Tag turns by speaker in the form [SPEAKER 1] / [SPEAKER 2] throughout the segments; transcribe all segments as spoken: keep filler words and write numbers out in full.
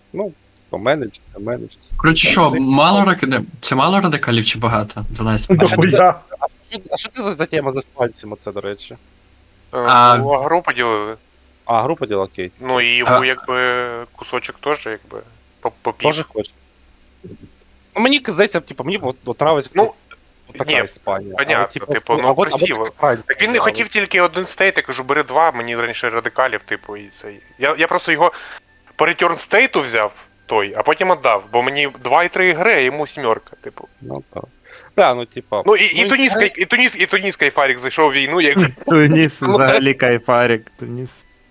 [SPEAKER 1] Ну, поменеджиться, менеджиться.
[SPEAKER 2] Коротше, що, мало ради... це мало радикалів чи багато? дванадцять пальців.
[SPEAKER 3] Дохуя.
[SPEAKER 1] А що це за, за тема за спальцями, це, до речі?
[SPEAKER 4] Е,
[SPEAKER 2] А-
[SPEAKER 4] Ну, а гру поділили.
[SPEAKER 1] А, група діла, окей.
[SPEAKER 4] Ну і йому
[SPEAKER 2] А-
[SPEAKER 4] якби кусочок теж якби по- попів.
[SPEAKER 1] Тоже хоче. Ну, мені здається, типу, мені от, от нравиться
[SPEAKER 4] Ну,
[SPEAKER 1] от така
[SPEAKER 4] ні,
[SPEAKER 1] Іспанія.
[SPEAKER 4] понятно, типу,
[SPEAKER 1] а
[SPEAKER 4] ну,
[SPEAKER 1] от- а от
[SPEAKER 4] красиво.
[SPEAKER 1] така Франція,
[SPEAKER 4] Так він не
[SPEAKER 1] да,
[SPEAKER 4] хотів тільки один стейт, я кажу, бери два, мені раніше радикалів, типу, і цей. Я, я просто його по return стейту взяв той, а потім віддав, бо мені два і три гри, а йому сімерка, типу.
[SPEAKER 1] Ну так. Да, ну типа.
[SPEAKER 4] Ну і, і
[SPEAKER 1] Ну,
[SPEAKER 4] Туніс,
[SPEAKER 1] і-
[SPEAKER 4] і Туніс, і Туніс Кайфарік зайшов в війну, як
[SPEAKER 5] Туніс,
[SPEAKER 1] Ну,
[SPEAKER 5] взагалі кайфарик, Туніс.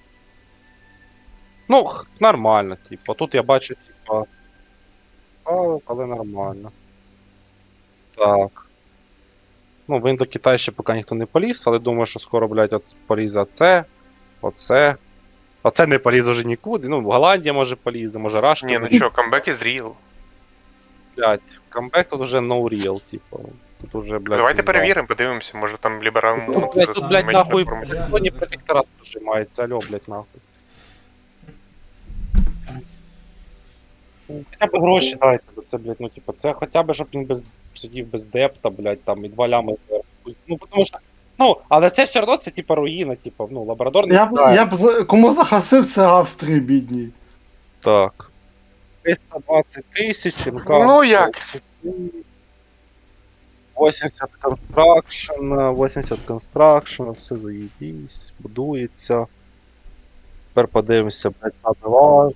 [SPEAKER 1] Ну, х- нормально, типу. Тут я бачу, типа. А, але нормально. Так. Ну, в Індокитай ще поки ніхто не поліз, але думаю, що скоро, блядь, от полізе оце, оце. Оце не поліз уже нікуди. Ну, Голландія може полізе, може Рашка.
[SPEAKER 4] ні, ну
[SPEAKER 1] залізе.
[SPEAKER 4] що, камбек із Real.
[SPEAKER 1] Блядь, камбек тут уже no real, типу. Тут уже, блядь.
[SPEAKER 4] Давайте
[SPEAKER 1] пізда.
[SPEAKER 4] перевіримо, подивимося, може там ліберал.
[SPEAKER 1] Тут, блядь, тут, блядь, нахуй, Sony протекторат прижимається, алло, блядь, нахуй. Ну, Хоча б гроші дайте, бо це, блядь, ну, типу, це хоча б, щоб він без, сидів без депта, блядь, там, і два лями зверху. Ну, тому що, ну, але це все одно, це, типу, руїна, типу, ну, лабрадор не
[SPEAKER 3] Я б,
[SPEAKER 1] знає.
[SPEAKER 3] я б за- кому захасив, це Австрії, бідній.
[SPEAKER 1] Так. триста двадцять тисяч, інкам.
[SPEAKER 4] Ну, як?
[SPEAKER 1] вісімдесят констракшн, вісімдесят констракшн, все заєбісь, будується. Тепер подивимося, блядь, на два.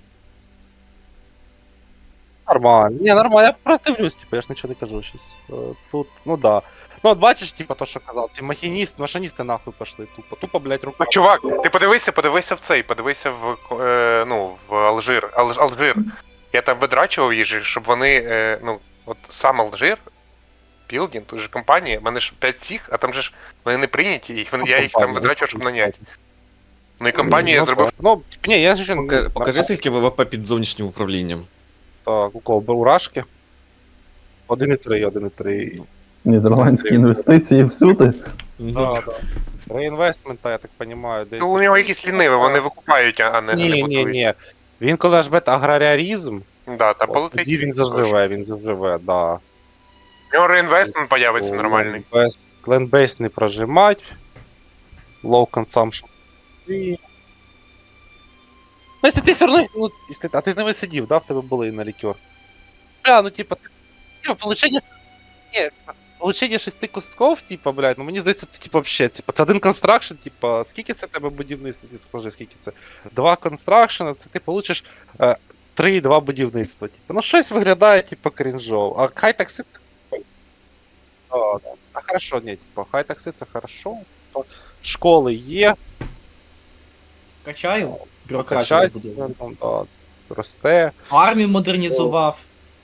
[SPEAKER 1] Нормально. Ні, нормально, я просто дивлюсь, типу, я ж нічого не кажу щось. Е, Тут, ну да. Ну от бачиш, типу, то, що казав, ці махініст, машиністи нахуй пошли тупо. Тупо, блядь, рука.
[SPEAKER 4] Ну, чувак, ти подивися, подивися в цей, подивися в е, ну, в Алжир. Алж, Алжир. Я там видрачував їжі, щоб вони, е, ну, от сам Алжир, Білдін, тут же компанія, в мене ж п'ять цих, а там же ж вони не прийняті, і вони- я їх там видрачував, щоб наняти. Ну і компанію я
[SPEAKER 1] Ну,
[SPEAKER 4] зробив.
[SPEAKER 1] так. Ну, типу, ні, я ще...
[SPEAKER 6] Пока- Покажи, скільки ВВП під зовнішнім управлінням.
[SPEAKER 1] Так, у кого? У Рашки? один і три, один і три.
[SPEAKER 7] Нідерландські інвестиції всюди.
[SPEAKER 1] Да, да. Реінвестмента, я так розумію, десь.
[SPEAKER 4] Ну, у нього якісь ліниві, вони викупають, а не, а не
[SPEAKER 1] Ні, ні,
[SPEAKER 4] будують.
[SPEAKER 1] ні. Він коли ж бета аграріарізм,
[SPEAKER 4] Да, та
[SPEAKER 1] от
[SPEAKER 4] полетить.
[SPEAKER 1] тоді він заживе, він заживе, да.
[SPEAKER 4] У нього реінвестмент появиться нормальний.
[SPEAKER 1] Ленбейс не прожимать. Low consumption. І... Ну, якщо ти все одно, ну, якщо, а ти з ними сидів, да, в тебе були на лікер. Бля, ну типа, типа, получення, ні, получення шести кусков, типа, блядь, ну мені здається, це типа вообще, типа, це один констракшн, типа, скільки це тебе будівництва, ти скажи, скільки це? Два констракшена, це ти получиш е, три і два будівництва, типа, ну щось виглядає, типа, крінжово, а хай такси, да, да. А хорошо, ні, типа, хай такси це хорошо, то школи є,
[SPEAKER 8] Качаю, бюрократію
[SPEAKER 1] качать,
[SPEAKER 8] забудову.
[SPEAKER 1] там, да, росте.
[SPEAKER 8] Армію модернізував.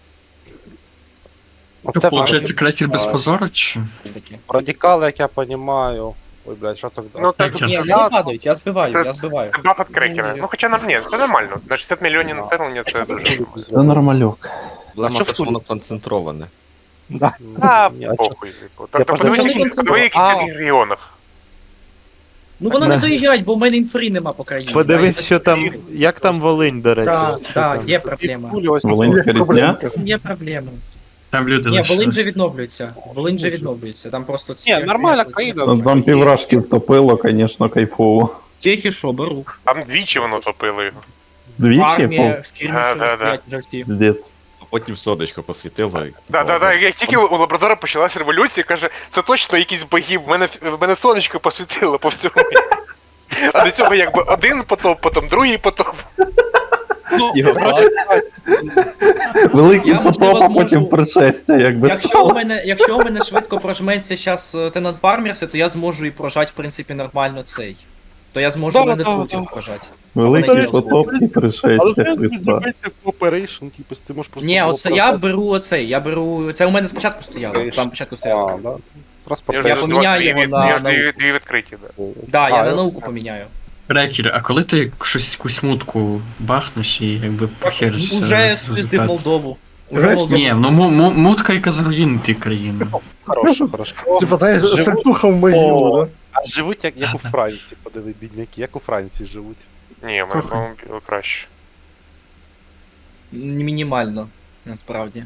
[SPEAKER 1] Оце
[SPEAKER 2] Получається, крекер без
[SPEAKER 1] А.
[SPEAKER 2] позору, чи?
[SPEAKER 8] Таке.
[SPEAKER 1] радикали, як я розумію. Ой, блядь, що так?
[SPEAKER 4] Ну, так,
[SPEAKER 2] Крекер.
[SPEAKER 8] Ні, вони не падають, я збиваю, я збиваю.
[SPEAKER 4] Це баф від крекера.
[SPEAKER 1] Ні, ні.
[SPEAKER 4] Ну, хоча нам ні, це нормально. На шістдесят мільйонів населення це дуже.
[SPEAKER 7] Це нормальок.
[SPEAKER 6] Проблема,
[SPEAKER 1] що
[SPEAKER 6] те,
[SPEAKER 1] в
[SPEAKER 6] що
[SPEAKER 1] Тулі?
[SPEAKER 6] воно концентроване.
[SPEAKER 4] А,
[SPEAKER 1] Ні, а чо-
[SPEAKER 4] похуй, типу.
[SPEAKER 1] Я
[SPEAKER 4] Так, так
[SPEAKER 1] просто-
[SPEAKER 4] подивись,
[SPEAKER 8] Вони
[SPEAKER 4] які-
[SPEAKER 8] концентрують.
[SPEAKER 4] подиви, які
[SPEAKER 1] А.
[SPEAKER 4] в регіонах.
[SPEAKER 8] Ну воно не
[SPEAKER 5] Не.
[SPEAKER 8] доїжджають, бо в мене інфри нема по країні.
[SPEAKER 5] Подивись,
[SPEAKER 8] Да,
[SPEAKER 5] що там. Як там Волинь, до речі.
[SPEAKER 8] Так,
[SPEAKER 5] Що
[SPEAKER 8] так,
[SPEAKER 5] там?
[SPEAKER 8] є проблема.
[SPEAKER 1] Кулі ось
[SPEAKER 7] Волинська різня.
[SPEAKER 8] Є проблема.
[SPEAKER 2] Там люди
[SPEAKER 8] Ні, Волинь же
[SPEAKER 2] лишились.
[SPEAKER 8] відновлюється. Волинь же відновлюється. Там просто ці.
[SPEAKER 1] Ні, нормальна країна.
[SPEAKER 7] Ну, Там піврашки втопило, звісно, кайфово.
[SPEAKER 8] Чехи що, беру.
[SPEAKER 4] Там двічі воно топило його.
[SPEAKER 7] Двічі?
[SPEAKER 8] Армія,
[SPEAKER 7] О,
[SPEAKER 8] скірміші,
[SPEAKER 4] Да, да, да.
[SPEAKER 8] блядь, вже всі.
[SPEAKER 7] Здець.
[SPEAKER 6] А потім содочко посвітило. і-
[SPEAKER 4] Да, да, да. Як тільки у Лабрадора почалась революція, каже, це точно якийсь богів, в мене, в мене сонечко посвітило по всьому. А до цього якби один потоп, потім другий потоп.
[SPEAKER 6] Снігопад.
[SPEAKER 7] Великий
[SPEAKER 8] Я, можливо,
[SPEAKER 7] потоп, а потім
[SPEAKER 8] зможу-
[SPEAKER 7] пришестя, якби
[SPEAKER 8] Якщо у
[SPEAKER 7] сталося.
[SPEAKER 8] мене, якщо у мене швидко прожметься зараз Tenant Farmers, то я зможу і прожати, в принципі, нормально цей. То я зможу
[SPEAKER 1] Да,
[SPEAKER 8] мене
[SPEAKER 1] да,
[SPEAKER 8] потім
[SPEAKER 1] да.
[SPEAKER 8] прожати.
[SPEAKER 7] Великий
[SPEAKER 8] Вони
[SPEAKER 7] потоп і
[SPEAKER 1] Але
[SPEAKER 7] пришестя
[SPEAKER 1] це
[SPEAKER 7] Христа.
[SPEAKER 1] Operation, типу, ти можеш просто...
[SPEAKER 8] Ні,
[SPEAKER 1] було
[SPEAKER 8] оце я беру оцей, я беру. Це у мене спочатку стояло. Саме початку стояло.
[SPEAKER 1] А, да.
[SPEAKER 4] Я
[SPEAKER 1] Транспорт.
[SPEAKER 8] Я
[SPEAKER 4] ж
[SPEAKER 8] поміняю
[SPEAKER 4] дві,
[SPEAKER 8] його
[SPEAKER 4] дві,
[SPEAKER 8] на
[SPEAKER 4] я ж дві,
[SPEAKER 8] науку.
[SPEAKER 4] дві відкриті, да.
[SPEAKER 8] Да, я
[SPEAKER 1] А,
[SPEAKER 8] на
[SPEAKER 1] я-
[SPEAKER 8] науку поміняю.
[SPEAKER 2] Крекер, а коли ти щось якусь мутку бахнеш і якби похеришся?
[SPEAKER 8] Уже
[SPEAKER 2] з
[SPEAKER 8] спиздив
[SPEAKER 2] результату?
[SPEAKER 8] Молдову. Уже
[SPEAKER 3] Знаєш,
[SPEAKER 8] Молдову.
[SPEAKER 2] Ні, ну му- му- мутка яка зруїнити країну.
[SPEAKER 1] Хорошо, хорошо.
[SPEAKER 3] Типа, знаєш,
[SPEAKER 1] Живуть-
[SPEAKER 3] сальтуха в могилу, да?
[SPEAKER 1] А живуть як, як у Франції, подиви, бідняки, як у Франції живуть.
[SPEAKER 4] Ні, в мене, по-моєму, було краще.
[SPEAKER 8] Мінімально, насправді.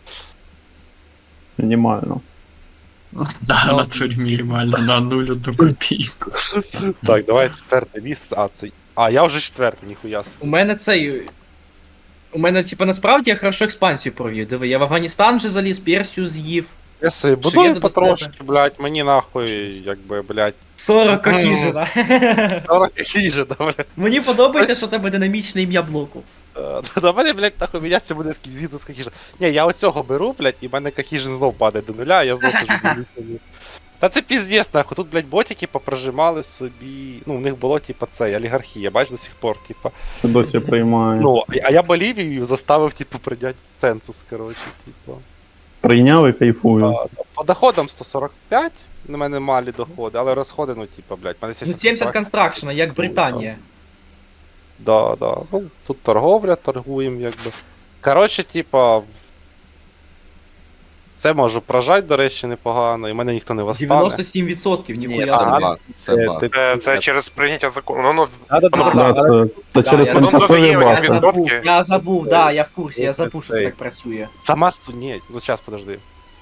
[SPEAKER 7] Мінімально.
[SPEAKER 2] Да,
[SPEAKER 8] Ну.
[SPEAKER 2] на турі мінімально, на нуль одну копійку.
[SPEAKER 1] Так, давай четверте місце. А, це. А, я вже четвертий, ніхуя. собі.
[SPEAKER 8] У мене цей. У мене, типа, насправді я хорошо експансію провів. Диви, я в Афганістан вже заліз, Персію з'їв.
[SPEAKER 1] Я собі
[SPEAKER 8] Що
[SPEAKER 1] будую
[SPEAKER 8] є до
[SPEAKER 1] потрошки, блядь, мені нахуй, якби, блядь.
[SPEAKER 8] сорок
[SPEAKER 1] Мгм.
[SPEAKER 8] кохіжина.
[SPEAKER 1] сорок хіже, да, блядь.
[SPEAKER 8] Мені подобається, що в тебе динамічне ім'я блоку.
[SPEAKER 1] Е, До мене, блядь, нахуй міняться буде скіпзіду з кахіжин. Ні, я оцього беру, блядь, і в мене кахіжин знов падає до нуля, а я знов сижу дивлюсь на нього. Та це піздець, нахуй, тут, блядь, ботики попрожимали собі, ну, в них було, типа, це, олігархія, бач, до сих пор, типа.
[SPEAKER 7] Це досі приймає.
[SPEAKER 1] Ну, а я Болівію заставив, типу, прийняти ценсус, коротше, типу.
[SPEAKER 7] Прийняв і кайфую.
[SPEAKER 1] А, по доходам сто сорок п'ять, на мене малі доходи, але розходи, ну, типа, блядь, в мене
[SPEAKER 8] Ну, сімдесят констракшена, як Британія.
[SPEAKER 1] Да, да. Ну, тут торговля, торгуємо, якби. Коротше, типа. в- Це можу прожать, до речі, непогано, і мене ніхто не восстане.
[SPEAKER 8] дев'яносто сім відсотків, ніхуя
[SPEAKER 6] Це
[SPEAKER 8] собі.
[SPEAKER 6] баг, це
[SPEAKER 1] Е,
[SPEAKER 6] баг.
[SPEAKER 1] ти-
[SPEAKER 4] Це, це через прийняття закону. Ну, ну,
[SPEAKER 1] Да, да, да, да,
[SPEAKER 7] Да,
[SPEAKER 1] да.
[SPEAKER 7] це, це
[SPEAKER 8] Да,
[SPEAKER 7] через
[SPEAKER 8] я
[SPEAKER 4] думав,
[SPEAKER 7] тимчасові
[SPEAKER 4] є
[SPEAKER 8] Я
[SPEAKER 7] баки.
[SPEAKER 4] він-
[SPEAKER 8] забув,
[SPEAKER 4] відсотки.
[SPEAKER 8] я забув, да, я в курсі, я забув, що це
[SPEAKER 1] Цей.
[SPEAKER 8] так працює.
[SPEAKER 1] Сама су... Ні, ну зараз подожди.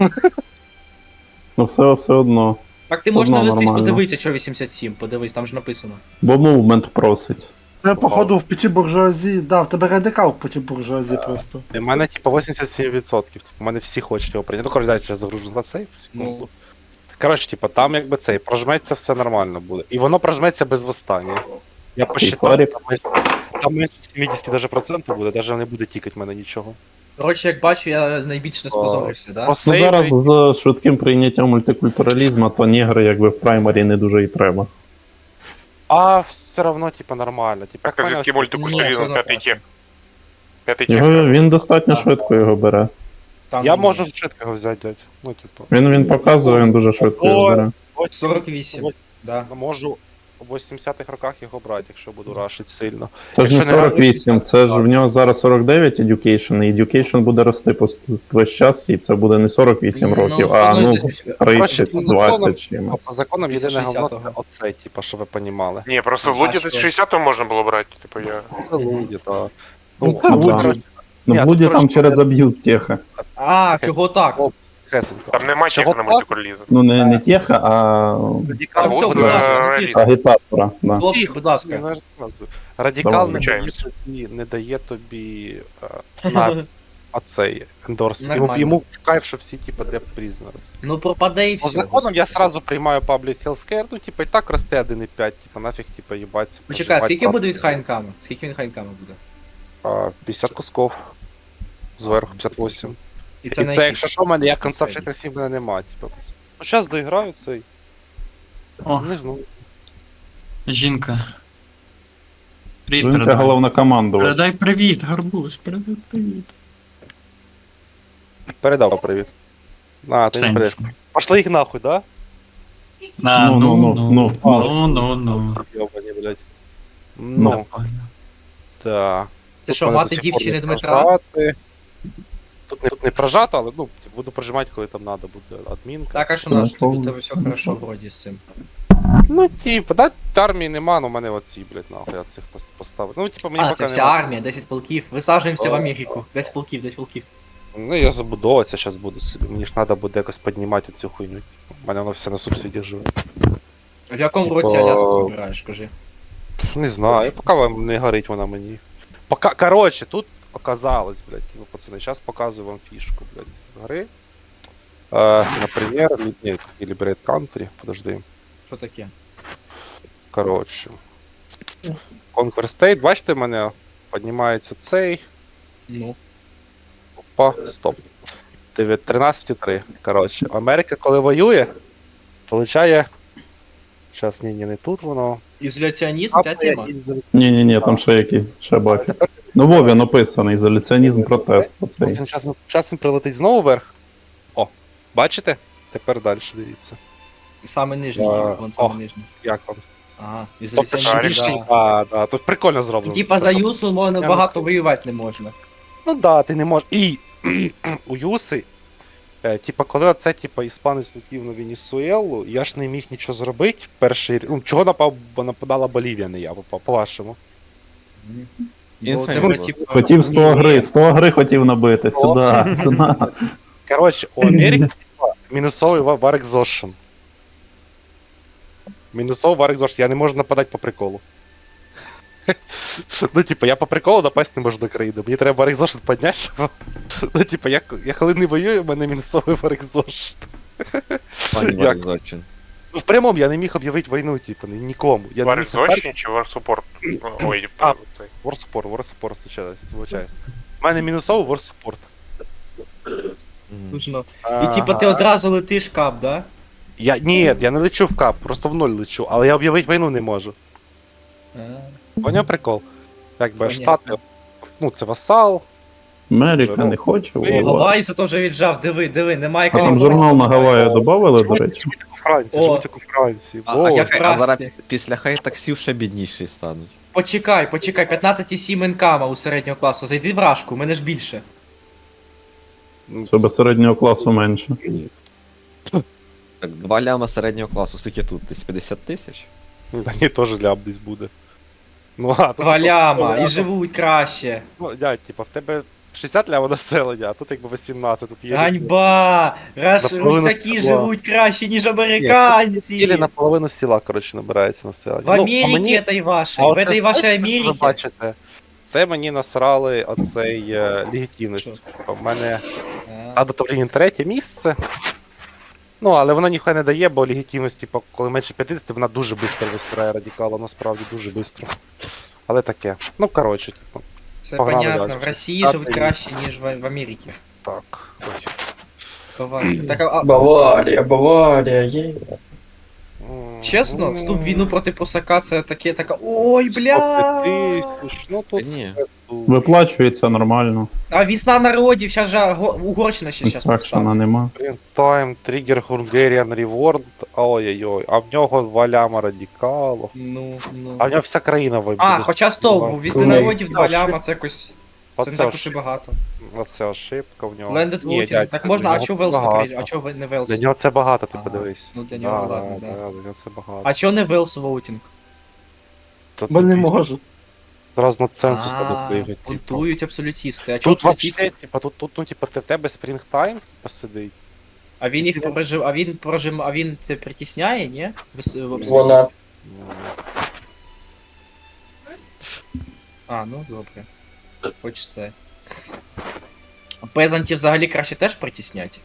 [SPEAKER 7] Ну все, все одно.
[SPEAKER 8] Так ти
[SPEAKER 7] Все
[SPEAKER 8] можеш
[SPEAKER 7] одно
[SPEAKER 8] навестись,
[SPEAKER 7] нормально.
[SPEAKER 8] подивитися, що вісімдесят сім, подивись, там ж написано.
[SPEAKER 7] Бо мувмент просить.
[SPEAKER 3] Це, походу, в п'яті буржуазії, да, в тебе радикал в п'яті буржуазії просто.
[SPEAKER 1] У мене, типа, вісімдесят сім відсотків. У мене всі хочуть його прийняти. Ну, коротше, дайте зараз загружу за цей, секунду.
[SPEAKER 8] Ну.
[SPEAKER 1] Коротше, типа, там якби цей, прожметься, все нормально буде. І воно прожметься без восстання. Я посчитав,
[SPEAKER 7] фарик.
[SPEAKER 1] там, менше- там менше сімдесят даже процентів буде, даже не буде тікати в мене нічого.
[SPEAKER 8] Коротше, як бачу, я найбільше не спозорився, да?
[SPEAKER 7] Ну
[SPEAKER 1] Посейвить-
[SPEAKER 7] зараз з швидким прийняттям мультикультуралізму, то нігри якби в праймарі не дуже і треба.
[SPEAKER 1] А все равно, типа, нормально. Типа,
[SPEAKER 4] так, звідки мультикультуризм,
[SPEAKER 8] Ну,
[SPEAKER 4] п'ятий
[SPEAKER 8] це
[SPEAKER 4] тек. П'ятий тек.
[SPEAKER 7] Його, він достатньо швидко його бере.
[SPEAKER 8] Там
[SPEAKER 1] Я
[SPEAKER 8] ні.
[SPEAKER 1] можу швидко його взяти, дядь. Ну, типу.
[SPEAKER 7] Він він показує, він дуже швидко його бере.
[SPEAKER 8] сорок вісім, да.
[SPEAKER 1] Можу в вісімдесятих роках його брати, якщо буду рашити сильно.
[SPEAKER 7] Це ж не
[SPEAKER 1] Якщо не
[SPEAKER 7] сорок вісім, це ж в нього зараз сорок дев'ять education, і education буде рости пост- весь час, і це буде не сорок вісім
[SPEAKER 8] Ну,
[SPEAKER 7] років, а ну
[SPEAKER 8] десь-
[SPEAKER 7] тридцять,
[SPEAKER 1] по законам-
[SPEAKER 7] двадцять чимось.
[SPEAKER 1] По законам
[SPEAKER 8] Після
[SPEAKER 1] єдине говно це
[SPEAKER 8] шістдесятого.
[SPEAKER 1] оце, типа, щоб ви понімали.
[SPEAKER 4] Ні, просто
[SPEAKER 8] А,
[SPEAKER 4] Луді
[SPEAKER 8] що?
[SPEAKER 4] за шістдесят можна було брати, типу я.
[SPEAKER 1] Це луді, так.
[SPEAKER 7] Ну,
[SPEAKER 1] Ну,
[SPEAKER 7] да.
[SPEAKER 1] коротше,
[SPEAKER 7] Ну,
[SPEAKER 1] Ні,
[SPEAKER 7] в Блуді
[SPEAKER 1] тут
[SPEAKER 7] там
[SPEAKER 1] трошки
[SPEAKER 7] через аб'юз теха.
[SPEAKER 8] А, чого так?
[SPEAKER 1] хлопці, хесенько.
[SPEAKER 4] Там нема
[SPEAKER 1] Чого
[SPEAKER 4] чек на
[SPEAKER 1] так?
[SPEAKER 4] мультикультуризм.
[SPEAKER 7] Ну, не, не теха, а
[SPEAKER 1] Радикал,
[SPEAKER 8] Артем,
[SPEAKER 1] будь
[SPEAKER 8] будь ласка,
[SPEAKER 1] ласка.
[SPEAKER 8] ну,
[SPEAKER 4] Е,
[SPEAKER 8] тихо.
[SPEAKER 7] агітатора. Да.
[SPEAKER 8] Хлопці, будь ласка.
[SPEAKER 1] Я ж назву. Радикал
[SPEAKER 7] Давай,
[SPEAKER 1] не дає
[SPEAKER 4] включаємося.
[SPEAKER 1] тобі, не дає тобі е, на оцей ендорс. Йому,
[SPEAKER 8] Нормально.
[SPEAKER 1] йому в кайф, що всі, типа, для prisoners.
[SPEAKER 8] Ну пропаде і
[SPEAKER 1] По
[SPEAKER 8] все.
[SPEAKER 1] законам я сразу приймаю Public Healthcare, ну, типа, і так росте один і п'ять, типа, нафіг, типа, їбаться.
[SPEAKER 8] Почекай,
[SPEAKER 1] проживати
[SPEAKER 8] скільки
[SPEAKER 1] там.
[SPEAKER 8] буде від хайнкама? Скільки він хайнкама буде?
[SPEAKER 1] А, п'ятдесят кусков. Зверху п'ятдесят вісім.
[SPEAKER 8] І
[SPEAKER 1] І
[SPEAKER 8] це
[SPEAKER 1] це,
[SPEAKER 8] на
[SPEAKER 1] якщо
[SPEAKER 8] який?
[SPEAKER 1] що, в мене я
[SPEAKER 8] Це
[SPEAKER 1] конца
[SPEAKER 8] середній.
[SPEAKER 1] вчитель мене нема, типа. Ну, зараз доіграю цей.
[SPEAKER 2] О,
[SPEAKER 1] Не знаю.
[SPEAKER 2] жінка. Привіт,
[SPEAKER 7] Жінка
[SPEAKER 2] передай.
[SPEAKER 7] головна командувач.
[SPEAKER 2] Передай привіт, гарбуз, передай привіт.
[SPEAKER 1] Передав привіт. На, ти не передав.
[SPEAKER 2] Сенсі.
[SPEAKER 1] Пошли їх нахуй, да?
[SPEAKER 2] На,
[SPEAKER 7] Ну,
[SPEAKER 2] ну,
[SPEAKER 7] ну,
[SPEAKER 2] ну,
[SPEAKER 7] ну,
[SPEAKER 2] ну, ну, ну.
[SPEAKER 1] Йобані, блядь.
[SPEAKER 7] Ну.
[SPEAKER 1] Ну,
[SPEAKER 2] Нормально.
[SPEAKER 1] так.
[SPEAKER 8] Це
[SPEAKER 1] Тут
[SPEAKER 8] що,
[SPEAKER 1] мене
[SPEAKER 8] мати
[SPEAKER 1] до сих пор
[SPEAKER 8] дівчини
[SPEAKER 1] не
[SPEAKER 8] Дмитра?
[SPEAKER 1] прожати. Тут не, тут не прожато, але ну, буду прожимати, коли там треба буде адмінка.
[SPEAKER 8] Так, а що
[SPEAKER 7] Ну,
[SPEAKER 8] наш, тобі
[SPEAKER 7] то-
[SPEAKER 8] тебе все хорошо вроді з цим.
[SPEAKER 1] Ну, типу, да, армії нема, ну в мене оці, блядь, нахуй, я цих пос- поставив. Ну, типу, мені
[SPEAKER 8] А,
[SPEAKER 1] поки
[SPEAKER 8] це вся
[SPEAKER 1] нема.
[SPEAKER 8] армія, десять полків. Висаджуємося в
[SPEAKER 1] О.
[SPEAKER 8] Америку. десять полків, десять полків.
[SPEAKER 1] Ну, я забудовуватися зараз буду собі. Мені ж треба буде якось піднімати цю хуйню. У мене воно все на субсидіях живе.
[SPEAKER 8] В якому
[SPEAKER 1] Типа-
[SPEAKER 8] році Аляску вибираєш, кажи?
[SPEAKER 1] Не знаю, поки вам не горить вона мені. Пока, короче, тут оказалось, блядь, ну, пацани, зараз показую вам фішку, блядь, гри. Е, например, ли- ні, или Liberate Country, подожди.
[SPEAKER 8] Що таке?
[SPEAKER 1] Коротше. Conquer State, бачите, в мене піднімається цей.
[SPEAKER 8] Ну.
[SPEAKER 1] Опа, стоп. тринадцять три. Коротше, Америка, коли воює, получає. Зараз, ні, ні, не тут воно.
[SPEAKER 8] Ізоляціонізм, ця тема.
[SPEAKER 7] Ні-ні-ні, там ще які, ще бафі. Ну, Вові написаний, ізоляціонізм протест. Оцей.
[SPEAKER 1] Зараз, зараз він прилетить знову вверх. О, бачите? Тепер далі дивіться.
[SPEAKER 8] Саме нижній,
[SPEAKER 1] А,
[SPEAKER 8] вон саме
[SPEAKER 1] о.
[SPEAKER 8] нижній.
[SPEAKER 1] Як вам?
[SPEAKER 8] Ага,
[SPEAKER 1] Тобто
[SPEAKER 8] ізоляціонізм,
[SPEAKER 1] швидший,
[SPEAKER 8] да.
[SPEAKER 1] да, да, тут прикольно
[SPEAKER 8] І
[SPEAKER 1] зроблено.
[SPEAKER 8] типа за Юсу можна
[SPEAKER 1] Я
[SPEAKER 8] багато воювати не можна.
[SPEAKER 1] Ну да, ти не можеш. І у Юси, е, типа, коли оце, типа, іспанець влетів на Венесуелу, я ж не міг нічого зробити. Перший рі- ну, чого напав, бо нападала Болівія, не я, по- по-вашому.
[SPEAKER 8] Бо
[SPEAKER 6] Інфейм
[SPEAKER 8] тебе,
[SPEAKER 6] було.
[SPEAKER 8] типу,
[SPEAKER 7] Хотів сто
[SPEAKER 8] ні,
[SPEAKER 7] гри, сто гри хотів набити, сюди, сюди.
[SPEAKER 1] Коротше, у Америки типа, мінусовий ва- war exhaustion. Мінусовий war exhaustion, я не можу нападати по приколу. Ну, типа, я по приколу напасть не можу до країни. Мені треба war exhaustion підняти, щоб... Ну, типа, я, я коли не воюю, у мене мінусовий war exhaustion.
[SPEAKER 6] Пані
[SPEAKER 1] Як?
[SPEAKER 6] Варізочин.
[SPEAKER 1] Ну, в прямому я не міг об'явити війну, типу, ні- нікому. Я не
[SPEAKER 4] War
[SPEAKER 1] міг настати-
[SPEAKER 4] Exhaustion чи War Support? Ой,
[SPEAKER 1] А.
[SPEAKER 4] цей.
[SPEAKER 1] War Support, War Support, звичайно. У мене мінусовий War Support.
[SPEAKER 6] Мгм.
[SPEAKER 8] Точно. І типа ти одразу летиш кап, да?
[SPEAKER 1] Я, ні, я не лечу в кап, просто в ноль лечу, але я об'явити війну не можу.
[SPEAKER 8] А.
[SPEAKER 1] Поняв прикол? Якби
[SPEAKER 8] Понятно.
[SPEAKER 1] штати, ну це васал.
[SPEAKER 7] Америка не хоче,
[SPEAKER 1] Ви-
[SPEAKER 7] Вова.
[SPEAKER 8] Гаваї це теж віджав, диви, диви, немає
[SPEAKER 7] А там
[SPEAKER 8] кого
[SPEAKER 7] журнал на
[SPEAKER 8] просто.
[SPEAKER 7] Гаваї додавали, до речі.
[SPEAKER 1] У Франції,
[SPEAKER 8] О.
[SPEAKER 1] живуть як у Франції.
[SPEAKER 8] А- а
[SPEAKER 1] Боже.
[SPEAKER 8] як-
[SPEAKER 6] А зараз
[SPEAKER 8] Красти.
[SPEAKER 6] після хай-таксів ще бідніші стануть.
[SPEAKER 8] Почекай, почекай, п'ятнадцять цілих сім інкама у середнього класу. Зайди в рашку, у мене ж більше.
[SPEAKER 7] Це без середнього класу менше.
[SPEAKER 6] Так, два ляма середнього класу, скільки тут? Десь п'ятдесят тисяч?
[SPEAKER 1] Та ні, теж ляб десь буде. Ну, а, тут,
[SPEAKER 8] Валяма,
[SPEAKER 1] ну,
[SPEAKER 8] і живуть краще.
[SPEAKER 1] Ну, дядь, типа, в тебе шістдесят лява населення, а тут якби вісімнадцять, тут є...
[SPEAKER 8] Ганьба! Раш...
[SPEAKER 1] Наполовину
[SPEAKER 8] Русаки
[SPEAKER 1] села.
[SPEAKER 8] живуть краще, ніж
[SPEAKER 1] Ілі
[SPEAKER 8] американці.
[SPEAKER 1] наполовину села, коротше, набирається населення.
[SPEAKER 8] В
[SPEAKER 1] Ну,
[SPEAKER 8] Америке
[SPEAKER 1] а мені-
[SPEAKER 8] этой вашей,
[SPEAKER 1] а
[SPEAKER 8] в
[SPEAKER 1] оце
[SPEAKER 8] этой вашей
[SPEAKER 1] знаєте, що Ви
[SPEAKER 8] Америке.
[SPEAKER 1] бачите, це мені насрали оцей е, легітимність.
[SPEAKER 8] Що?
[SPEAKER 1] Типа, в мене
[SPEAKER 8] А,
[SPEAKER 1] Ада Тавлінін третє місце. Ну, але вона ніхай не дає, бо легітимність, типу, коли менше п'ятдесят, вона дуже швидко вистрає радикала, насправді дуже швидко. Але таке. Ну, коротше, типу,
[SPEAKER 8] Це
[SPEAKER 1] погнали
[SPEAKER 8] понятно,
[SPEAKER 1] далі.
[SPEAKER 8] в Росії
[SPEAKER 1] Так,
[SPEAKER 8] живуть
[SPEAKER 1] і-
[SPEAKER 8] краще, ніж в, в Америці.
[SPEAKER 1] так. Ой.
[SPEAKER 8] Баварія. Так, а, а,
[SPEAKER 9] Баварія, Баварія, є.
[SPEAKER 1] М,
[SPEAKER 8] чесно,
[SPEAKER 1] м,
[SPEAKER 8] вступ в війну проти просака це таке, така. Ой, бля!
[SPEAKER 1] сто тисяч, ну тут
[SPEAKER 6] Ні.
[SPEAKER 1] все тут.
[SPEAKER 7] Виплачується нормально.
[SPEAKER 8] А весна народів, зараз же Го- Угорщина ще зараз
[SPEAKER 7] Інстракшена
[SPEAKER 8] повстане.
[SPEAKER 7] нема.
[SPEAKER 1] Time, Trigger, Hungarian Reward, ой-ой-ой, а в нього два ляма радикалу.
[SPEAKER 8] Ну, ну.
[SPEAKER 1] А в нього вся країна вибуде.
[SPEAKER 8] А, хоча стоп, у весни
[SPEAKER 9] Ні.
[SPEAKER 8] народів два
[SPEAKER 1] А,
[SPEAKER 8] ляма, це якось. Це не так уж і багато.
[SPEAKER 1] Оце ошибка в нього.
[SPEAKER 8] Landed
[SPEAKER 1] Ні,
[SPEAKER 8] voting.
[SPEAKER 1] дядь,
[SPEAKER 8] Так
[SPEAKER 1] для
[SPEAKER 8] можна, а
[SPEAKER 1] нього
[SPEAKER 8] чого
[SPEAKER 1] це
[SPEAKER 8] Велс не
[SPEAKER 1] багато.
[SPEAKER 8] приїжджає? А чого ви не Велс?
[SPEAKER 1] Для нього це багато, ти
[SPEAKER 8] Ага.
[SPEAKER 1] подивись.
[SPEAKER 8] Ну, для нього,
[SPEAKER 1] Да,
[SPEAKER 8] ладно, да.
[SPEAKER 1] да, для нього це багато.
[SPEAKER 8] А чого не Велс воутінг?
[SPEAKER 1] То
[SPEAKER 3] Бо не
[SPEAKER 1] тобі
[SPEAKER 3] можу.
[SPEAKER 1] Зразу на ценсус
[SPEAKER 8] А,
[SPEAKER 1] треба пригати. типу.
[SPEAKER 8] бунтують абсолютісти. А чого
[SPEAKER 1] Тут вообще,
[SPEAKER 8] абсолютісти?
[SPEAKER 1] типа, тут, тут, ну, типа, ти в тебе спрінгтайм посидить.
[SPEAKER 8] А він їх прожив, а він прожим, а він це притісняє, ні? В, с- в абсолютістів?
[SPEAKER 9] Вона
[SPEAKER 8] А, ну добре. Хоч це. Пезантів взагалі краще теж притіснять.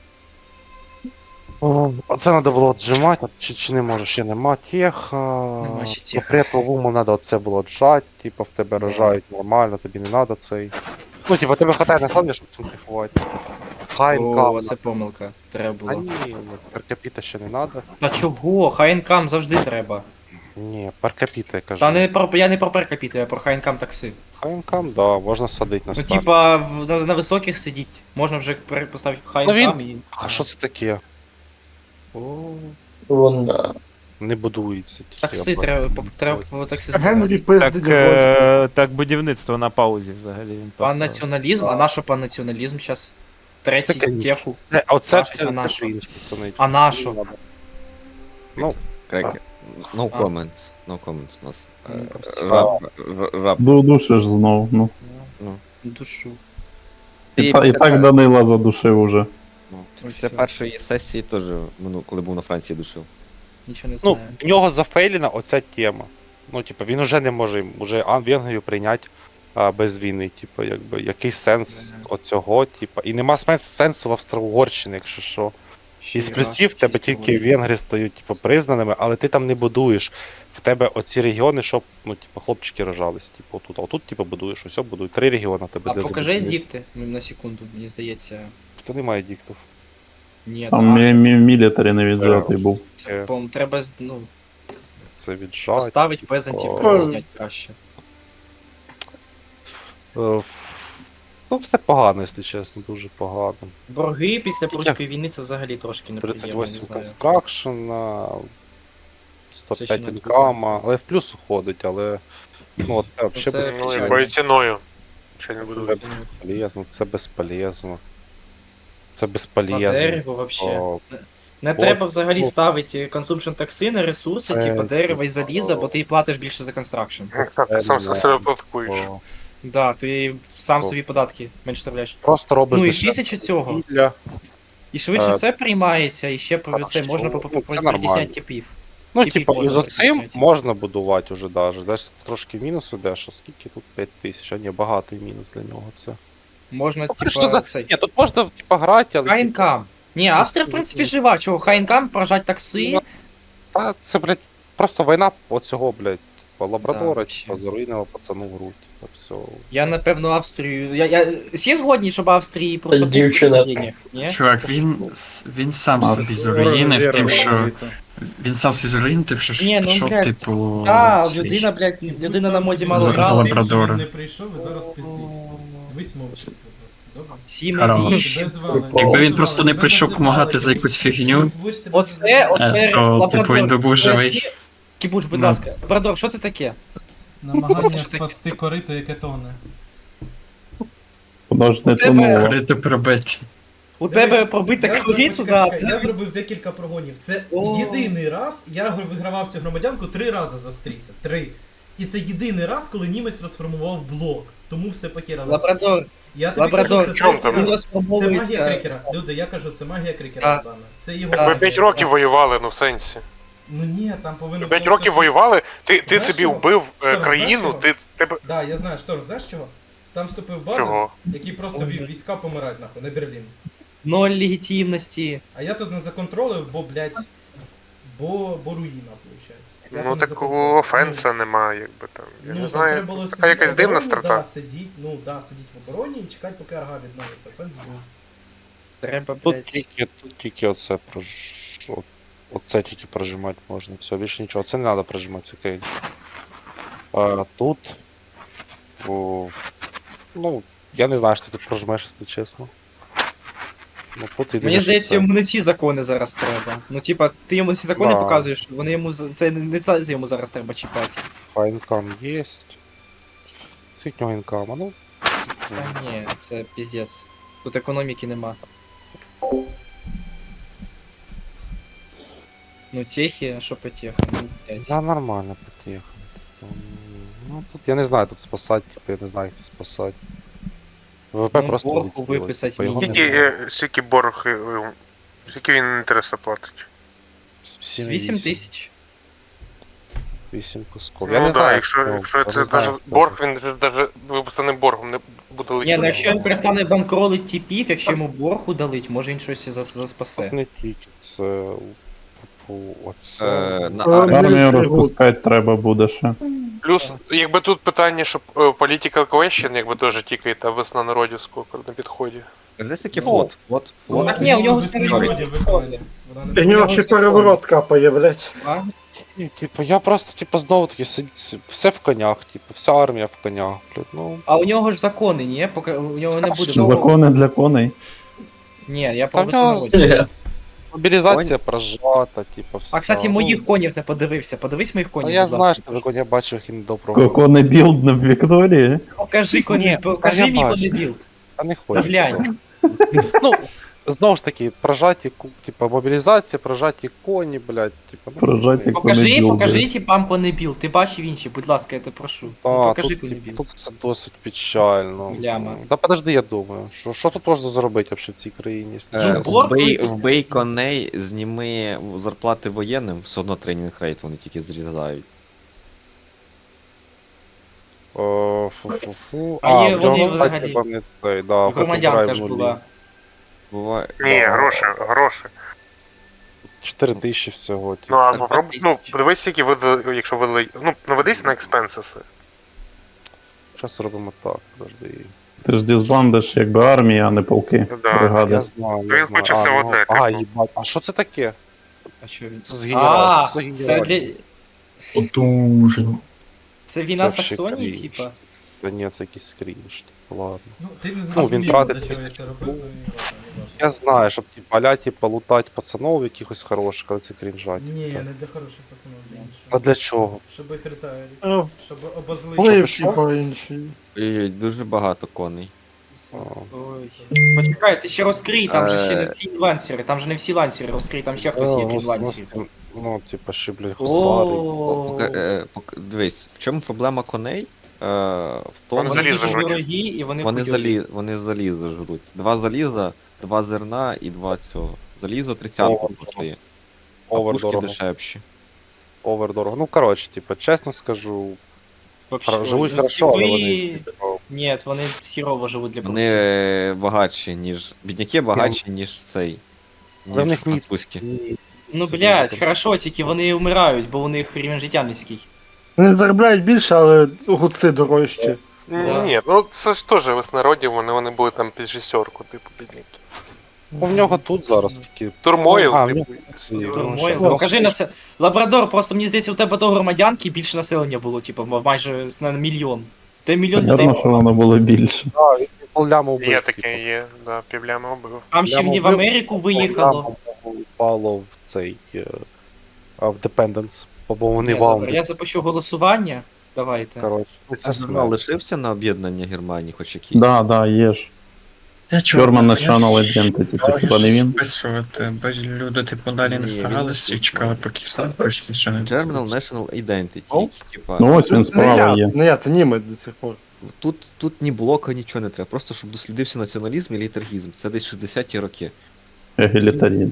[SPEAKER 1] Оце треба було отжимати, чи, чи не можеш, ще нема тех.
[SPEAKER 8] Нема ще тех.
[SPEAKER 1] Секрет ловуму треба оце було отжати, типа в тебе
[SPEAKER 8] Да.
[SPEAKER 1] рожають нормально, тобі не треба цей. Ну, типа, тебе хватає на самом щоб цим кайфувати. Хай
[SPEAKER 8] О,
[SPEAKER 1] інкам.
[SPEAKER 8] це помилка. Треба
[SPEAKER 1] А
[SPEAKER 8] було.
[SPEAKER 1] ні, перкапіта ще не треба.
[SPEAKER 8] А чого? Хайнкам завжди треба.
[SPEAKER 1] Ні, перкапіта, я кажу.
[SPEAKER 8] Та не про я не про перкапіту, я про хайнкам такси.
[SPEAKER 1] Хай інкам, да, можна садити на
[SPEAKER 8] Ну,
[SPEAKER 1] старт.
[SPEAKER 8] типа, в- на, на високих сидіть. Можна вже пере- поставити
[SPEAKER 1] Ну,
[SPEAKER 8] хайнкам і.
[SPEAKER 1] А що це таке?
[SPEAKER 8] О,
[SPEAKER 9] вона.
[SPEAKER 1] Не будується. тільки,
[SPEAKER 8] такси
[SPEAKER 1] я
[SPEAKER 8] треба,
[SPEAKER 1] бачу.
[SPEAKER 8] по- треба по такси.
[SPEAKER 3] Генрі
[SPEAKER 5] Так,
[SPEAKER 3] пиздить гроші.
[SPEAKER 5] е, так будівництво на паузі взагалі. Він
[SPEAKER 8] Пан
[SPEAKER 5] поставив.
[SPEAKER 8] націоналізм, а на що пан націоналізм зараз? Третій
[SPEAKER 1] Таке ні.
[SPEAKER 8] теху.
[SPEAKER 1] Е, Оце
[SPEAKER 8] Наш-
[SPEAKER 1] це
[SPEAKER 8] а на що?
[SPEAKER 1] інше, пацани.
[SPEAKER 8] А на що?
[SPEAKER 1] Ну,
[SPEAKER 6] Крекер. No
[SPEAKER 8] А.
[SPEAKER 6] comments. No comments у нас.
[SPEAKER 8] Ну,
[SPEAKER 6] Е,
[SPEAKER 8] просто
[SPEAKER 6] Раб, р- раб.
[SPEAKER 7] Ду- Душиш знов. Ну.
[SPEAKER 8] Душу.
[SPEAKER 7] І,
[SPEAKER 6] І
[SPEAKER 7] та, і
[SPEAKER 6] після
[SPEAKER 7] так
[SPEAKER 6] пер-
[SPEAKER 7] Данила задушив уже.
[SPEAKER 6] ну,
[SPEAKER 8] Ось
[SPEAKER 6] Після
[SPEAKER 8] все.
[SPEAKER 6] першої сесії теж, ну, коли був на Франції, душив.
[SPEAKER 8] Нічого не
[SPEAKER 1] ну,
[SPEAKER 8] знаю.
[SPEAKER 1] в нього зафейлена оця тема. Ну, типу, він уже не може уже Ан- Венгрію прийняти а, без війни. Типу, якби, який сенс
[SPEAKER 8] Да.
[SPEAKER 1] оцього, типу. І нема сенс- сенсу в Австро-Угорщині, якщо що.
[SPEAKER 8] Ще
[SPEAKER 1] Із
[SPEAKER 8] й
[SPEAKER 1] плюсів в
[SPEAKER 8] раз,
[SPEAKER 1] тебе
[SPEAKER 8] чисто
[SPEAKER 1] тільки
[SPEAKER 8] воно.
[SPEAKER 1] венгри стають типу, признаними, але ти там не будуєш. В тебе оці регіони, щоб ну, типу, хлопчики рожались. Типу, тут, а тут типу, будуєш, ось будують. Три регіони в тебе.
[SPEAKER 8] А
[SPEAKER 1] де
[SPEAKER 8] покажи
[SPEAKER 1] забудуєш.
[SPEAKER 8] дікти, ну, на секунду, мені здається.
[SPEAKER 1] Та немає діктів.
[SPEAKER 8] Ні,
[SPEAKER 7] Там
[SPEAKER 8] а,
[SPEAKER 7] мі- мі- мілітарі не віджатий був.
[SPEAKER 8] це, по треба з- ну,
[SPEAKER 1] Це віджать.
[SPEAKER 8] поставити пезантів,
[SPEAKER 1] О.
[SPEAKER 8] притісняти краще.
[SPEAKER 1] Е, Ну, все погано, якщо чесно, дуже погано.
[SPEAKER 8] Борги після прусської війни це взагалі трошки неприємно,
[SPEAKER 1] тридцять
[SPEAKER 8] не
[SPEAKER 1] вісім
[SPEAKER 8] знаю.
[SPEAKER 1] констракшена, сто
[SPEAKER 8] Це
[SPEAKER 1] п'ять
[SPEAKER 8] ще не
[SPEAKER 1] інкама, але в плюс уходить, але. Ну, от, це взагалі
[SPEAKER 8] Це
[SPEAKER 1] безполезно.
[SPEAKER 4] Ну,
[SPEAKER 8] печально.
[SPEAKER 4] якою ціною? Ще не буду.
[SPEAKER 1] Це безполезно, це безполезно. Це
[SPEAKER 8] На
[SPEAKER 1] безполезно.
[SPEAKER 8] дерево вообще.
[SPEAKER 1] О,
[SPEAKER 8] Не
[SPEAKER 1] От,
[SPEAKER 8] треба взагалі
[SPEAKER 1] ну,
[SPEAKER 8] ставити consumption такси на ресурси,
[SPEAKER 1] це-
[SPEAKER 8] типу дерева і заліза, бо ти платиш більше за констракшн.
[SPEAKER 4] Так, ти сам
[SPEAKER 1] Це
[SPEAKER 4] себе платкуєш.
[SPEAKER 1] о.
[SPEAKER 8] Да, ти сам
[SPEAKER 1] О.
[SPEAKER 8] собі податки менше ставляєш.
[SPEAKER 1] Просто робиш
[SPEAKER 8] Ну і
[SPEAKER 1] дешевше
[SPEAKER 8] тисяча цього.
[SPEAKER 1] вугілля.
[SPEAKER 8] І швидше
[SPEAKER 1] Е,
[SPEAKER 8] це приймається, і ще про це
[SPEAKER 1] хорошо.
[SPEAKER 8] можна по
[SPEAKER 1] Ну, це
[SPEAKER 8] п'ятдесят
[SPEAKER 1] нормально.
[SPEAKER 8] типів.
[SPEAKER 1] Ну,
[SPEAKER 8] Типів
[SPEAKER 1] типа, і
[SPEAKER 8] можна
[SPEAKER 1] за цим
[SPEAKER 8] притисняти.
[SPEAKER 1] можна будувати уже даже. Десь трошки мінус іде, що скільки тут п'ять тисяч, а ні, багатий мінус для нього це.
[SPEAKER 8] Можна,
[SPEAKER 1] Ну, конечно,
[SPEAKER 8] типа,
[SPEAKER 1] да.
[SPEAKER 8] цей.
[SPEAKER 1] Ні, тут можна, типа, грати, але. типа,
[SPEAKER 8] Хайнкам. Ні, Австрія, в принципі, жива. Чого, Хайнкам, прожать такси.
[SPEAKER 1] Ну, Та це, блядь, просто війна оцього, блядь, типа, лабрадора,
[SPEAKER 8] вообще.
[SPEAKER 1] типа, заруйнила пацану в грудь, типа, все.
[SPEAKER 8] Я, напевно, Австрію. Я, я... Всі згодні, щоб Австрії просто
[SPEAKER 9] Дівчина.
[SPEAKER 8] купити денег, ні?
[SPEAKER 2] Чувак, він, с- він сам
[SPEAKER 7] А,
[SPEAKER 2] собі заруїнив тим, що. Він сам собі заруїнив тим, що
[SPEAKER 8] Ні, ну,
[SPEAKER 2] пішов,
[SPEAKER 8] блядь,
[SPEAKER 2] типу.
[SPEAKER 8] А,
[SPEAKER 2] цей-
[SPEAKER 8] людина, блядь, людина на моді мало
[SPEAKER 2] За- за
[SPEAKER 8] грала.
[SPEAKER 2] лабрадора.
[SPEAKER 10] не прийшов і зараз пиздить. Дивись мовчки, будь ласка. Добре?
[SPEAKER 8] Сім
[SPEAKER 2] Хорош.
[SPEAKER 8] віж.
[SPEAKER 10] Тебе звали.
[SPEAKER 2] Якби він
[SPEAKER 10] Тебе
[SPEAKER 2] просто
[SPEAKER 10] звали,
[SPEAKER 2] не
[SPEAKER 10] тебе
[SPEAKER 2] прийшов
[SPEAKER 10] називали,
[SPEAKER 2] помагати за
[SPEAKER 10] тебе-
[SPEAKER 2] якусь фігню.
[SPEAKER 10] Будеш тебе
[SPEAKER 8] Оце,
[SPEAKER 10] називати.
[SPEAKER 8] оце
[SPEAKER 2] Е, то,
[SPEAKER 8] лабрадор.
[SPEAKER 2] типу, він би був живий.
[SPEAKER 8] Поясні- Кібуч, будь
[SPEAKER 2] Ну.
[SPEAKER 8] ласка. Лабрадор, що це таке?
[SPEAKER 10] Намагання
[SPEAKER 8] Оце ж таке.
[SPEAKER 10] спасти корито, яке тоне.
[SPEAKER 7] Воно ж не
[SPEAKER 8] У тебе-
[SPEAKER 7] тонуло.
[SPEAKER 2] Корито пробити.
[SPEAKER 8] У тебе пробита
[SPEAKER 10] Я
[SPEAKER 8] корито,
[SPEAKER 10] зробив-
[SPEAKER 8] да.
[SPEAKER 10] чекай, Я зробив декілька прогонів. Це
[SPEAKER 8] О.
[SPEAKER 10] єдиний раз, я гр- вигравав цю громадянку три рази з австрійця. Три. І це єдиний раз, коли німець розформував блок. Тому все похералося.
[SPEAKER 8] Лабрадор.
[SPEAKER 10] Я тобі
[SPEAKER 8] Лабрадор.
[SPEAKER 10] кажу, це
[SPEAKER 4] Чому
[SPEAKER 10] третій
[SPEAKER 4] там?
[SPEAKER 8] Він
[SPEAKER 10] раз. Це магія
[SPEAKER 8] розформовується.
[SPEAKER 10] крикера. Люди, я кажу, це магія крикера,
[SPEAKER 8] Так.
[SPEAKER 10] Богдана. Це його
[SPEAKER 8] Так.
[SPEAKER 4] Ви
[SPEAKER 10] магія.
[SPEAKER 4] п'ять років воювали, ну в сенсі.
[SPEAKER 10] Ну ні, там повинно
[SPEAKER 4] п'ять
[SPEAKER 10] було
[SPEAKER 4] років
[SPEAKER 10] все-
[SPEAKER 4] воювали, ти, ти
[SPEAKER 10] Знаєш
[SPEAKER 4] собі
[SPEAKER 10] чого?
[SPEAKER 4] вбив е,
[SPEAKER 10] Шторм,
[SPEAKER 4] країну,
[SPEAKER 10] знаєш
[SPEAKER 4] ти тебе.
[SPEAKER 10] Да, я знаю, Шторм, знаєш чого? Там вступив Баден,
[SPEAKER 4] Чого?
[SPEAKER 10] який просто
[SPEAKER 8] Ой,
[SPEAKER 10] вів
[SPEAKER 8] да.
[SPEAKER 10] війська помирати нахуй на Берлін.
[SPEAKER 8] Ноль легітимності.
[SPEAKER 10] А я тут не законтролив, бо, блядь, бо, бо руїна, виходить. Я
[SPEAKER 4] Ну
[SPEAKER 10] тут не
[SPEAKER 4] такого
[SPEAKER 10] законтролив.
[SPEAKER 4] офенса нема, якби там. Я
[SPEAKER 10] Ну,
[SPEAKER 4] не
[SPEAKER 10] там
[SPEAKER 4] знаю.
[SPEAKER 10] треба було
[SPEAKER 4] Така
[SPEAKER 10] сидіти
[SPEAKER 4] якась
[SPEAKER 10] в
[SPEAKER 4] дивна
[SPEAKER 10] обороні,
[SPEAKER 4] страта.
[SPEAKER 10] Да, сидіть, ну, да, сидіть в обороні і чекати, поки Арга відновиться. Офенс був.
[SPEAKER 8] Треба,
[SPEAKER 1] Тут
[SPEAKER 8] блядь.
[SPEAKER 1] тільки, тут тільки оце прож... от- Оце тільки прожимати можна. Все, більше нічого. Це не треба прожимати, це кейн. А тут. О, ну, я не знаю, що ти тут прожимаєш, якщо чесно. Ну, тут єдине,
[SPEAKER 8] Мені
[SPEAKER 1] що
[SPEAKER 8] здається,
[SPEAKER 1] це-
[SPEAKER 8] йому не ці закони зараз треба. Ну, типа, ти йому ці закони
[SPEAKER 1] Да.
[SPEAKER 8] показуєш, вони йому за- це не не це йому зараз треба чіпати.
[SPEAKER 1] А інкам є. Скільки в нього інкама? Ну.
[SPEAKER 8] Та ні, це піздець. Тут економіки нема. Ну, техи, що по техам? Ну, блядь.
[SPEAKER 1] Да, нормально потеха. Ну, тут я не знаю, тут спасати, типу, я не знаю, як тут спасати. ВВП
[SPEAKER 8] Ну,
[SPEAKER 1] просто
[SPEAKER 8] боргу
[SPEAKER 1] влетіло,
[SPEAKER 8] виписать
[SPEAKER 1] типу, його
[SPEAKER 8] мінімум.
[SPEAKER 4] Скільки,
[SPEAKER 1] немає.
[SPEAKER 4] е, скільки борг, е, е, скільки він інтересу платить?
[SPEAKER 1] Всі
[SPEAKER 8] вісім тисяч.
[SPEAKER 1] Вісім кусков. Я
[SPEAKER 4] Ну
[SPEAKER 1] не
[SPEAKER 4] да,
[SPEAKER 1] знаю,
[SPEAKER 4] якщо,
[SPEAKER 1] ну,
[SPEAKER 4] якщо
[SPEAKER 1] я
[SPEAKER 4] це
[SPEAKER 1] не знаю,
[SPEAKER 4] даже
[SPEAKER 1] як
[SPEAKER 4] борг,
[SPEAKER 1] сказати.
[SPEAKER 4] він же даже виписаним боргом не буде
[SPEAKER 8] Ні,
[SPEAKER 4] летіти.
[SPEAKER 8] ну якщо він перестане банкролить типів, якщо йому борг удалить, може він щось за- заспасе.
[SPEAKER 1] Тут не тільки, це... Фу, оце...
[SPEAKER 6] Е, на
[SPEAKER 3] Е,
[SPEAKER 6] армію.
[SPEAKER 7] Армію розпускати треба буде ще.
[SPEAKER 4] Плюс, якби тут питання, щоб е, political question, якби теж тікає, та весна народів сколько на підході.
[SPEAKER 6] Скажи, скільки
[SPEAKER 8] Ну,
[SPEAKER 6] флот, флот, флот.
[SPEAKER 8] Так ні, у нього
[SPEAKER 10] Весни
[SPEAKER 8] свої
[SPEAKER 10] народів
[SPEAKER 8] історії.
[SPEAKER 10] виконання. Вона не
[SPEAKER 3] І в
[SPEAKER 10] буде.
[SPEAKER 3] нього ще переворот капає, блядь.
[SPEAKER 8] А?
[SPEAKER 1] Ні, типу, я просто, типу, знову таки, сидь- все в конях, типу, вся армія в конях, блядь, ну...
[SPEAKER 8] А у нього ж закони, ні? Поки у нього не буде. Ну,
[SPEAKER 7] Закони для коней.
[SPEAKER 8] Ні, я
[SPEAKER 1] Та
[SPEAKER 8] про
[SPEAKER 1] в нього
[SPEAKER 8] весну.
[SPEAKER 1] Мобілізація прожата, типу, все.
[SPEAKER 8] А, кстати,
[SPEAKER 1] ну,
[SPEAKER 8] моїх конів не подивився. Подивись моїх
[SPEAKER 1] Ну,
[SPEAKER 8] конів,
[SPEAKER 1] я
[SPEAKER 8] будь
[SPEAKER 1] знаю,
[SPEAKER 8] ласка.
[SPEAKER 1] що ви я бачив їх і недоброго.
[SPEAKER 7] Кони білд в Вікторії.
[SPEAKER 8] Покажи
[SPEAKER 1] Ні,
[SPEAKER 8] коні,
[SPEAKER 1] та
[SPEAKER 8] покажи
[SPEAKER 1] я
[SPEAKER 8] мій
[SPEAKER 1] бачу.
[SPEAKER 8] конебілд.
[SPEAKER 1] А не хочу.
[SPEAKER 8] Глянь.
[SPEAKER 1] Ну, знову ж таки, прожаті, ку- типа, мобілізація, прожаті коні, блядь, типа, ну,
[SPEAKER 7] Прожаті
[SPEAKER 1] окей.
[SPEAKER 8] Покажи,
[SPEAKER 7] конебілди.
[SPEAKER 8] покажи типам конебілд. Ти бачив інші, будь ласка, я тебе прошу. Ну,
[SPEAKER 1] А,
[SPEAKER 8] покажи
[SPEAKER 1] тут, типу,
[SPEAKER 8] конебілд.
[SPEAKER 1] тут все досить печально.
[SPEAKER 8] Ляма.
[SPEAKER 1] Та подожди, я думаю, що, що тут можна зробити взагалі в цій країні, якщо
[SPEAKER 6] Е,
[SPEAKER 1] чесно?
[SPEAKER 8] борг
[SPEAKER 6] Вбий,
[SPEAKER 8] випустити.
[SPEAKER 6] вбий коней, зніми зарплати воєнним, все одно тренінг рейт вони тільки зрізають.
[SPEAKER 1] О, фу-фу-фу.
[SPEAKER 8] А є
[SPEAKER 1] в
[SPEAKER 8] вони
[SPEAKER 1] нього,
[SPEAKER 8] взагалі-
[SPEAKER 1] кстати, вони цей, да,
[SPEAKER 8] Громадянка ж
[SPEAKER 1] Фотограф
[SPEAKER 8] була.
[SPEAKER 6] Буває.
[SPEAKER 4] Ні, гроші, гроші.
[SPEAKER 1] чотири тисячі всього, типу.
[SPEAKER 4] Ну а
[SPEAKER 8] Так,
[SPEAKER 4] попробуй,
[SPEAKER 8] п'ять
[SPEAKER 4] ну,
[SPEAKER 8] тисяч.
[SPEAKER 4] подивись, скільки видали, якщо видали, ну, наведись на експенсиси.
[SPEAKER 1] Зараз робимо так, подожди.
[SPEAKER 7] Ти ж дізбандиш якби армія, а не полки.
[SPEAKER 4] Да.
[SPEAKER 7] Бригади.
[SPEAKER 1] Я знаю, я
[SPEAKER 4] Він
[SPEAKER 1] знаю.
[SPEAKER 4] хоче
[SPEAKER 1] А,
[SPEAKER 4] все
[SPEAKER 1] ну,
[SPEAKER 4] одне,
[SPEAKER 1] А,
[SPEAKER 4] типу.
[SPEAKER 1] їбать, а що це таке?
[SPEAKER 8] А що він?
[SPEAKER 1] Це з генералів,
[SPEAKER 8] А,
[SPEAKER 1] що це за
[SPEAKER 8] це
[SPEAKER 1] генералів?
[SPEAKER 8] для...
[SPEAKER 2] Потужно.
[SPEAKER 8] Це війна
[SPEAKER 1] Це ще
[SPEAKER 8] Саксонії,
[SPEAKER 1] крінж.
[SPEAKER 8] типа?
[SPEAKER 1] Та ні, це якийсь крінж, типу, ладно.
[SPEAKER 10] Ну, ти не
[SPEAKER 1] Ну, він
[SPEAKER 10] зрозумів,
[SPEAKER 1] тратить
[SPEAKER 10] для чого я
[SPEAKER 1] тисячу
[SPEAKER 10] це робив, ну, і ладно, не важливо.
[SPEAKER 1] Я знаю, щоб ті поля, типу, лутати пацанов якихось хороших, але це крінжать.
[SPEAKER 10] Ні, не для хороших пацанів, для іншого.
[SPEAKER 1] А для чого?
[SPEAKER 10] Щоб їх ретайрити.
[SPEAKER 3] Е,
[SPEAKER 10] Щоб обозлити.
[SPEAKER 3] Вплив,
[SPEAKER 1] що?
[SPEAKER 3] типа, інший.
[SPEAKER 6] І дуже багато коней.
[SPEAKER 8] Ой. Почекай, ти ще розкрий, там же ще не
[SPEAKER 6] Е.
[SPEAKER 8] всі лансери, там же не всі лансери розкрий, там ще хтось є,
[SPEAKER 1] Ну,
[SPEAKER 8] крім
[SPEAKER 1] ну,
[SPEAKER 8] лансерів.
[SPEAKER 1] ну, Ну, типа, ще, блядь, гусари.
[SPEAKER 6] О,
[SPEAKER 8] О,
[SPEAKER 6] пока- е, пок- Дивись, в чому проблема коней? в тому,
[SPEAKER 4] Вони
[SPEAKER 8] Вони
[SPEAKER 4] залізо
[SPEAKER 8] дуже
[SPEAKER 4] жруть.
[SPEAKER 8] дорогі і вони
[SPEAKER 6] вони,
[SPEAKER 8] хуйові.
[SPEAKER 6] залі... вони залізо жруть. Два заліза, два зерна і два цього. Залізо тридцятку
[SPEAKER 1] О,
[SPEAKER 6] коштує. А
[SPEAKER 1] Овер
[SPEAKER 6] пушки
[SPEAKER 1] дорого.
[SPEAKER 6] дешевші.
[SPEAKER 1] Овер дорого. Ну, коротше, типу, чесно скажу,
[SPEAKER 8] Вообще,
[SPEAKER 1] хор- живуть
[SPEAKER 8] ну,
[SPEAKER 1] хорошо, але
[SPEAKER 8] типи-
[SPEAKER 1] вони. типу,
[SPEAKER 8] Ні, вони хірово живуть для
[SPEAKER 6] Вони
[SPEAKER 8] прусів.
[SPEAKER 6] е, багатші, ніж. Бідняки багатші, ніж цей.
[SPEAKER 1] Але в
[SPEAKER 6] Ніж
[SPEAKER 1] них ні-
[SPEAKER 6] французькі.
[SPEAKER 1] ні-
[SPEAKER 8] Ну,
[SPEAKER 1] собі
[SPEAKER 8] блядь,
[SPEAKER 1] там.
[SPEAKER 8] хорошо, тільки вони вмирають, бо у них рівень життя низький.
[SPEAKER 3] Вони заробляють більше, але гуци дорожчі.
[SPEAKER 8] Да.
[SPEAKER 4] Ні, ну це ж теж веснародів, вони, вони були там під шістерку, типу, бідняки.
[SPEAKER 1] Ну, в нього тут зараз тільки.
[SPEAKER 4] Турмойл,
[SPEAKER 1] А, в
[SPEAKER 4] типу.
[SPEAKER 1] нього-
[SPEAKER 4] і-
[SPEAKER 8] Турмойл.
[SPEAKER 1] ну,
[SPEAKER 8] Ну, кажи на се... Лабрадор, просто мені здається, у тебе до громадянки більше населення було, типу, майже на мільйон. Ти мільйон людей.
[SPEAKER 7] Понятно, що воно було більше.
[SPEAKER 1] Поллями вбив.
[SPEAKER 4] Є
[SPEAKER 1] типу.
[SPEAKER 4] таке, є, да, півлями убив.
[SPEAKER 8] Там ще
[SPEAKER 1] Прямо
[SPEAKER 8] в в
[SPEAKER 1] вбив,
[SPEAKER 8] Америку виїхало.
[SPEAKER 1] Поллями впало в цей. е, а, В Dependence. Бо вони
[SPEAKER 8] Ні, добре,
[SPEAKER 1] валди.
[SPEAKER 8] я запущу голосування. Давайте.
[SPEAKER 1] Коротше, ну, це
[SPEAKER 6] Це журнал
[SPEAKER 1] смерть.
[SPEAKER 6] лишився на об'єднання Германії, хоч якийсь.
[SPEAKER 7] Да, да, є ж.
[SPEAKER 2] Я чого?
[SPEAKER 7] German
[SPEAKER 2] я
[SPEAKER 7] National
[SPEAKER 2] ж-
[SPEAKER 7] Identity, це
[SPEAKER 2] я
[SPEAKER 7] хіба не
[SPEAKER 2] ж
[SPEAKER 7] він?
[SPEAKER 2] Списувати, бо люди типу далі
[SPEAKER 6] Ні,
[SPEAKER 2] не
[SPEAKER 6] він
[SPEAKER 2] старалися і
[SPEAKER 6] не
[SPEAKER 2] чекали, поки все пройшли, що не
[SPEAKER 6] Germinal National Identity.
[SPEAKER 3] О.
[SPEAKER 6] Типа,
[SPEAKER 7] Ну ось він
[SPEAKER 3] Не
[SPEAKER 7] справа
[SPEAKER 3] я,
[SPEAKER 7] є.
[SPEAKER 3] не я, це німець до цих пор.
[SPEAKER 6] тут, тут ні блока, нічого не треба. Просто щоб дослідився націоналізм і літаргізм. Це десь шістдесяті роки.
[SPEAKER 7] Егелітарізм.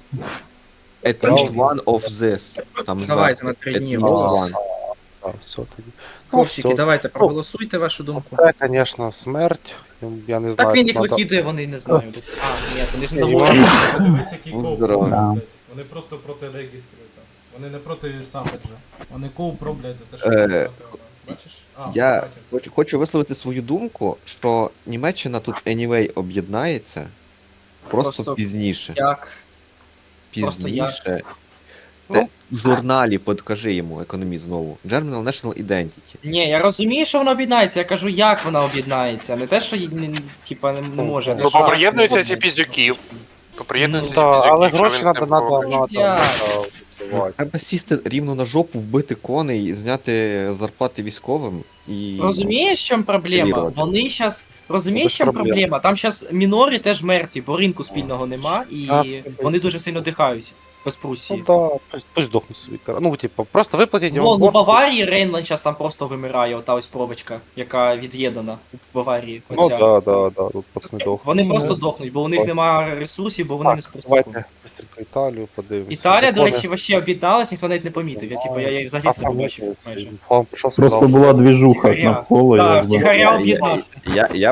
[SPEAKER 6] At least one of this. Там
[SPEAKER 8] Давайте
[SPEAKER 6] зверху.
[SPEAKER 8] на три
[SPEAKER 6] At
[SPEAKER 8] дні
[SPEAKER 6] least
[SPEAKER 8] голос.
[SPEAKER 6] one.
[SPEAKER 1] Так, все тоді.
[SPEAKER 8] Хлопчики,
[SPEAKER 1] все.
[SPEAKER 8] давайте проголосуйте вашу думку.
[SPEAKER 1] Це, звісно, смерть. Я не знаю.
[SPEAKER 8] Так він їх
[SPEAKER 1] надо-
[SPEAKER 8] викидує, вони не знаю. А, ні, вони ж не
[SPEAKER 1] Ні,
[SPEAKER 8] доводять.
[SPEAKER 10] Подивись, який
[SPEAKER 6] Ну,
[SPEAKER 10] коуп
[SPEAKER 6] здорово.
[SPEAKER 10] роблять, блядь. Вони просто проти регістру там. Вони не проти Сапеджа. Вони коуп роблять за те, що
[SPEAKER 6] Е,
[SPEAKER 10] вони проти. Бачиш? А,
[SPEAKER 6] Я
[SPEAKER 10] бачив все.
[SPEAKER 6] хочу, хочу висловити свою думку, що Німеччина тут anyway об'єднається. Просто,
[SPEAKER 8] Просто
[SPEAKER 6] пізніше.
[SPEAKER 8] Як? Просто
[SPEAKER 6] Пізніше.
[SPEAKER 1] Ну,
[SPEAKER 6] Те, в журналі подкажи йому економіст знову. Germinal National Identity.
[SPEAKER 8] Ні, я розумію, що вона об'єднається, я кажу, як вона об'єднається. Не те, що їй не, типа, не, не може. а те,
[SPEAKER 4] Ну,
[SPEAKER 8] що-
[SPEAKER 4] поприєднуються ці піздюки. Поприєднуються ці
[SPEAKER 1] Так,
[SPEAKER 4] піздюки,
[SPEAKER 1] але
[SPEAKER 4] що
[SPEAKER 1] гроші
[SPEAKER 4] він
[SPEAKER 1] треба
[SPEAKER 4] типу,
[SPEAKER 1] надо надо
[SPEAKER 8] Я-
[SPEAKER 1] надо.
[SPEAKER 6] Треба сісти рівно на жопу, вбити коней, зняти зарплати військовим і.
[SPEAKER 8] Розумієш, в чому проблема?
[SPEAKER 6] Активірувати.
[SPEAKER 8] Вони зараз. Розумієш,
[SPEAKER 1] Без
[SPEAKER 8] в чому
[SPEAKER 1] проблем.
[SPEAKER 8] проблема? Там зараз мінори теж мертві, бо ринку спільного нема, і
[SPEAKER 1] А,
[SPEAKER 8] вони дуже сильно дихають без
[SPEAKER 1] Ну
[SPEAKER 8] Прусії.
[SPEAKER 1] да, пусть, пусть здохнуть собі. кара- Ну, типу, просто виплатіть йому.
[SPEAKER 8] Вон, у
[SPEAKER 1] борг.
[SPEAKER 8] Баварії Рейнланд зараз там просто вимирає, ота ось провочка, яка від'єднана у Баварії.
[SPEAKER 1] Ну
[SPEAKER 8] Оця.
[SPEAKER 1] да, да, да, тут пацани дохнуть.
[SPEAKER 8] Вони просто дохнуть, бо у них
[SPEAKER 1] Ось.
[SPEAKER 8] немає ресурсів, бо вони не
[SPEAKER 1] Так,
[SPEAKER 8] спростовують.
[SPEAKER 1] давайте быстренько Італію подивимося.
[SPEAKER 8] Італія, до
[SPEAKER 1] Закони.
[SPEAKER 8] речі, вообще об'єдналась, ніхто навіть не помітив. Я типу, я її взагалі не побачив майже.
[SPEAKER 1] Вам пішов,
[SPEAKER 7] Просто
[SPEAKER 1] сказав,
[SPEAKER 7] була двіжуха
[SPEAKER 8] Тихаря.
[SPEAKER 7] навколо.
[SPEAKER 8] Так,
[SPEAKER 7] якби.
[SPEAKER 8] втіхаря
[SPEAKER 6] Я-
[SPEAKER 8] об'єднався.
[SPEAKER 6] Я, я